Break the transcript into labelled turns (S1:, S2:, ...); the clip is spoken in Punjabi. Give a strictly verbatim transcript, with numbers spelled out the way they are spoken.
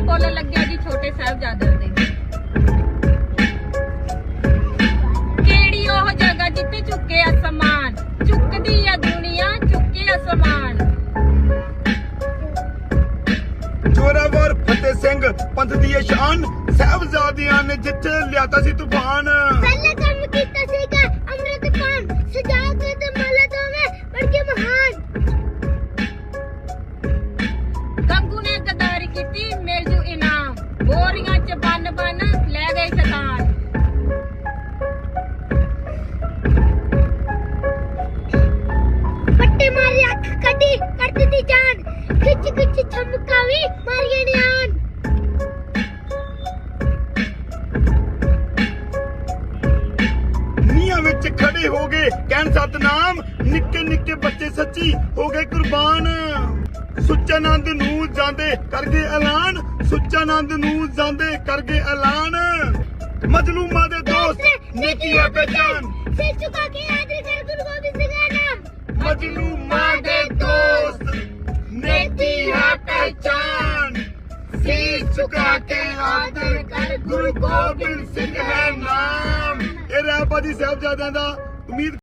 S1: ਬੋਲਣ ਲੱਗਿਆ ਜੀ ਛੋਟੇ ਸਾਹਿਬਜ਼ਾਦਿਆਂ ਦੇ। ਕਿਹੜੀ ਉਹ ਜਗ੍ਹਾ ਜਿੱਥੇ ਝੁਕੇ ਅਸਮਾਨ, ਝੁਕਦੀ ਆ ਦੁਨੀਆ ਝੁਕੇ ਅਸਮਾਨ।
S2: ਜ਼ੋਰਾਵਰ ਫਤਿਹ ਸਿੰਘ ਪੰਥ ਦੀ ਇਹ ਸ਼ਾਨ, ਸਾਹਿਬਜ਼ਾਦਿਆਂ ਨੇ ਜਿੱਥੇ ਲਿਆਤਾ ਸੀ ਤੂਫਾਨ।
S3: ਪਹਿਲੇ ਕੰਮ ਕੀਤਾ ਸੀਗਾ ਅੰਮ੍ਰਿਤ ਪਾਨ, ਸਜਾ ਕੇ ਤੇ ਮਾਲਾ ਦੋਵੇਂ ਬਣ ਕੇ ਮਹਾਨ।
S1: ਗੰਗੂ ਨੇ ਗਦਾਰੀ ਕੀਤੀ ਮਿਲ ਜੂ ਇਨਾਮ, ਬੋਰੀਆਂ ਚ ਬੰਨ ਬੰਨ ਲੈ ਗਏ ਸ਼ੈਤਾਨ।
S3: ਪੱਟੇ ਮਾਰੀ ਅੱਖ ਕੱਢੀ ਕਰ ਦਿੱਤੀ ਜਾਨ, ਖਿੱਚ ਖਿੱਚ ਚਮਕਾਵੀ ਮਾਰੀਏ ਨਿਆਨ।
S2: ਨੀਹਾਂ ਵਿੱਚ ਖੜੇ ਹੋ ਗਏ ਕਹਿਣ ਸਤਨਾਮ, ਨਿੱਕੇ ਨਿੱਕੇ ਬੱਚੇ ਸੱਚੀ ਹੋ ਗਏ ਕੁਰਬਾਨ। ਸੁੱਚਾਨੰਦ ਨੂੰ ਜਾਂਦੇ ਕਰ ਗਏ ਐਲਾਨ, ਸੁੱਚਾਨੰਦ ਨੂੰ ਜਾਂਦੇ ਕਰ ਗਏ ਐਲਾਨ। ਮਜਲੂਮਾਂ ਦੇ ਦੋਸਤ ਨੇਕੀ ਹੈ ਪਹਿਚਾਨ,
S3: ਸਿਰ ਝੁਕਾ ਕੇ ਆਦਰ ਕਰ ਗੁਰੂ ਗੋਬਿੰਦ ਸਿੰਘ ਦਾ ਨਾਮ।
S2: ਮਜਲੂਮਾਂ ਦੇ ਦੋਸਤ ਨੇਕੀ ਹੈ ਪਹਿਚਾਨ, ਸੀਸ ਝੁਕਾ ਕੇ ਆਦਰ ਕਰ ਗੁਰੂ ਗੋਬਿੰਦ ਸਿੰਘ ਹੈ ਨਾਮ। ਇਹ ਰਹਿ ਬਾਜੀ ਸਾਹਿਬਜ਼ਾਦਿਆਂ ਦਾ। ਉਮੀਦ